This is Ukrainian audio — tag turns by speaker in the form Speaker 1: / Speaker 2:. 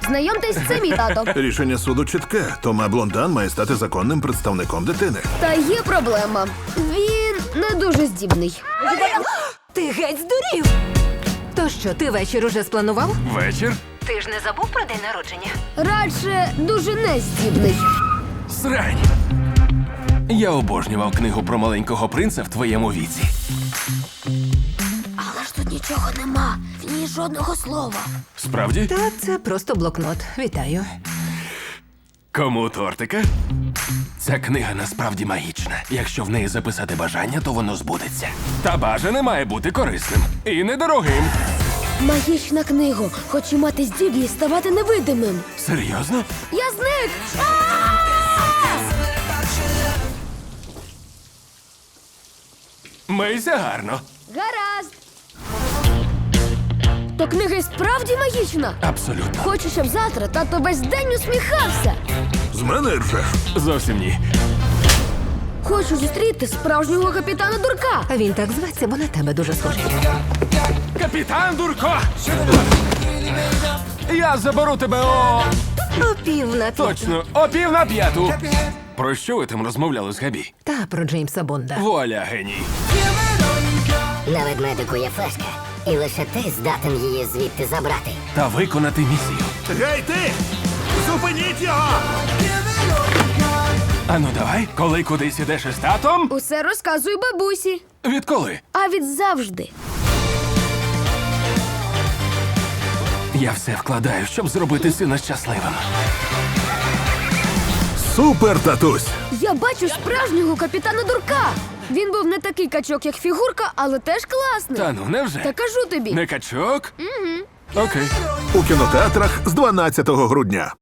Speaker 1: Знайомтесь, це мій тато.
Speaker 2: Рішення суду чітке. Тома Блондан має стати законним представником дитини.
Speaker 1: Та є проблема. Він не дуже здібний.
Speaker 3: Ти геть здурів! То що, ти вечір уже спланував?
Speaker 4: Вечір?
Speaker 3: Ти ж не забув про день народження?
Speaker 1: Радше дуже нездібний.
Speaker 4: Срань. Я обожнював книгу про маленького принца в твоєму віці.
Speaker 1: Але ж тут нічого нема. В ній жодного слова.
Speaker 4: Справді?
Speaker 3: Та це просто блокнот. Вітаю.
Speaker 4: Кому тортика? Ця книга насправді магічна. Якщо в неї записати бажання, то воно збудеться. Та бажане має бути корисним і недорогим.
Speaker 1: Магічна книга. Хочу мати здібність ставати невидимим.
Speaker 4: Серйозно?
Speaker 1: Я зник!
Speaker 4: Мийся гарно.
Speaker 1: Гаразд. То книга і справді магічна.
Speaker 4: Абсолютно.
Speaker 1: Хочу, щоб завтра тато весь день усміхався.
Speaker 2: З мене ржеш.
Speaker 4: Зовсім ні.
Speaker 1: Хочу зустріти справжнього капітана Дурка.
Speaker 3: А він так зветься, бо на тебе дуже схожий.
Speaker 4: Капітан Дурко! Я заберу тебе о...
Speaker 3: О, пів на пів.
Speaker 4: Точно, о 4:45. Про що ви там розмовляли з Габі?
Speaker 3: Та про Джеймса Бонда.
Speaker 4: Вуаля, геній.
Speaker 5: На ведмедику є флешка, і лише ти здатен її звідти забрати.
Speaker 4: Та виконати місію.
Speaker 2: Гей ти! Зупиніть його!
Speaker 4: Ану давай, коли кудись ідеш із татом?
Speaker 1: Усе розказую бабусі.
Speaker 4: Відколи?
Speaker 1: А від завжди.
Speaker 4: Я все вкладаю, щоб зробити сина щасливим.
Speaker 2: Супер, татусь!
Speaker 1: Я бачу справжнього капітана Дурка. Він був не такий качок, як фігурка, але теж класний.
Speaker 4: Та ну, невже?
Speaker 1: Та кажу тобі.
Speaker 4: Не качок? Угу. Окей.
Speaker 2: У кінотеатрах з 12 грудня.